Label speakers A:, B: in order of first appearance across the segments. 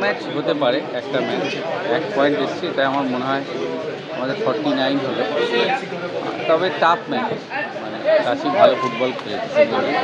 A: Match হতে পারে, একটা ম্যাচ 1 পয়েন্ট এসছে, তাই আমার মনে হয় আমাদের 49 হলো। তবে টাফ ম্যাচ, মানে রাশি ভালো ফুটবল খেলেছে।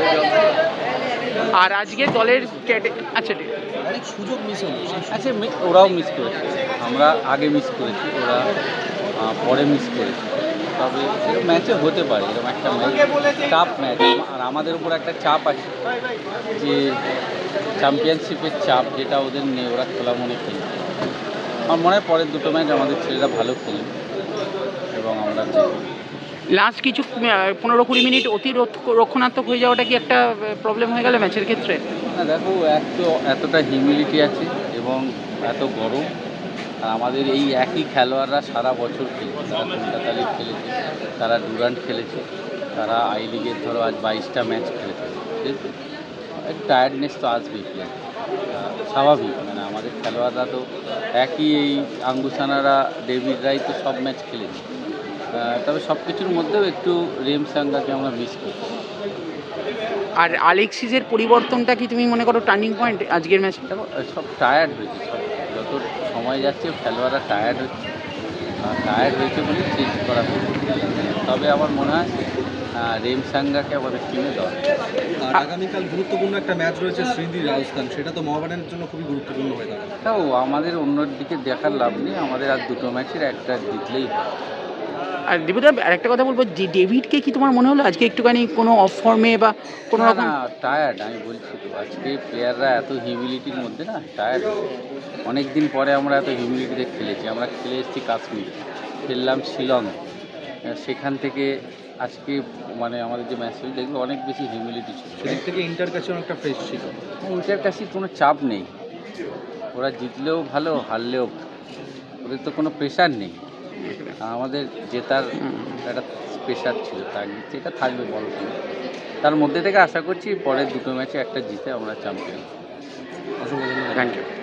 B: আর আজকে দলের আচ্ছা ঠিক আছে।
C: অনেক সুযোগ মিস হলো।
A: আচ্ছা, ওরাও মিস করেছে, আমরা আগে মিস করেছি, ওরা পরে মিস করেছে। তবে এরকম ম্যাচে হতে পারে, এরকম একটা ম্যাচ টাফ ম্যাচ। আর আমাদের উপর একটা চাপ আছে যে চ্যাম্পিয়নশিপের চাপ, যেটা ওদের নেই, ওরা খোলা মনে খেলছে। আমার মনে হয় পরের দুটো ম্যাচ আমাদের ছেলেরা ভালো খেলবে এবং আমরা
B: লাস্ট কিছু 15-20 মিনিট অতি রক্ষণাত্মক হয়ে যাওয়াটা কি একটা প্রবলেম হয়ে গেল ম্যাচের ক্ষেত্রে?
A: না, দেখো, এতটা হিউমিডিটি আছে এবং এত গরম। আর আমাদের এই একই খেলোয়াড়রা সারা বছর খেলেছে, তারা কলকাতা লিগ খেলেছে, তারা ডুরান্ট খেলেছে, তারা আই লিগের ধরো আজ 22টা ম্যাচ খেলেছে। ঠিক, একটু টায়ার্ডনেস তো আসবেই, প্লেয়ার স্বাভাবিক। মানে আমাদের খেলোয়াড়রা তো একই, এই আঙ্গুসানারা, ডেভিডরাই তো সব ম্যাচ খেলেছে। তবে সব কিছুর মধ্যেও একটু রেমসাঙ্গাকে আমরা মিস করছি।
B: আর আলেক্সিসের পরিবর্তনটা কি তুমি মনে করো টার্নিং পয়েন্ট আজকের ম্যাচে?
A: দেখো, সব টায়ার্ড হয়েছে, সব যত সময় যাচ্ছে খেলোয়াড়রা টায়ার্ড হয়েছে বলে চেঞ্জ করা হয়েছে। তবে আমার মনে হয় রেমসাঙ্গাকে আমাদের টিমে দেওয়া।
C: আর আগামীকাল গুরুত্বপূর্ণ একটা ম্যাচ রয়েছে শ্রীলঙ্কা রাজস্থান, সেটা তো মোহামেডানের জন্য খুবই গুরুত্বপূর্ণ হয়ে দাঁড়াবে।
A: তাও আমাদের অন্য দিকে দেখার লাভ নেই, আমাদের আর দুটো ম্যাচের একটা জিতলেই হয়।
B: আর দীপুদা আরেকটা কথা বলবো, যে ডেভিডকে কি তোমার মনে হলো আজকে একটুখানি কোনো অফ ফর্মে বা কোনো রকম?
A: না, টায়ার্ড, আমি বলছি তো, আজকে প্লেয়াররা এত হিউমিডিটির মধ্যে না টায়ার্ড। অনেক দিন পরে আমরা এত হিউমিডিটিতে খেলেছি, আমরা খেলে এসেছি কাশ্মীর, খেললাম শিলং, সেখান থেকে আজকে মানে আমাদের যে ম্যাচ হয়েছে দেখলো অনেক বেশি হিউমিডিটি ছিল।
C: সেদিক থেকে ইন্টার কাছে অনেকটা ফ্রেশ ছিল।
A: ওইটার কাছে কোনো চাপ নেই, ওরা জিতলেও ভালো, হারলেও ওদের তো কোনো প্রেশার নেই। আমাদের জেতার একটা প্রেশার ছিল, যেটা থাকবে বড় টিম। তার মধ্যে থেকে আশা করছি পরের দুটো ম্যাচে একটা জিতে আমরা চ্যাম্পিয়ন।
C: অসংখ্য ধন্যবাদ।
B: Thank you.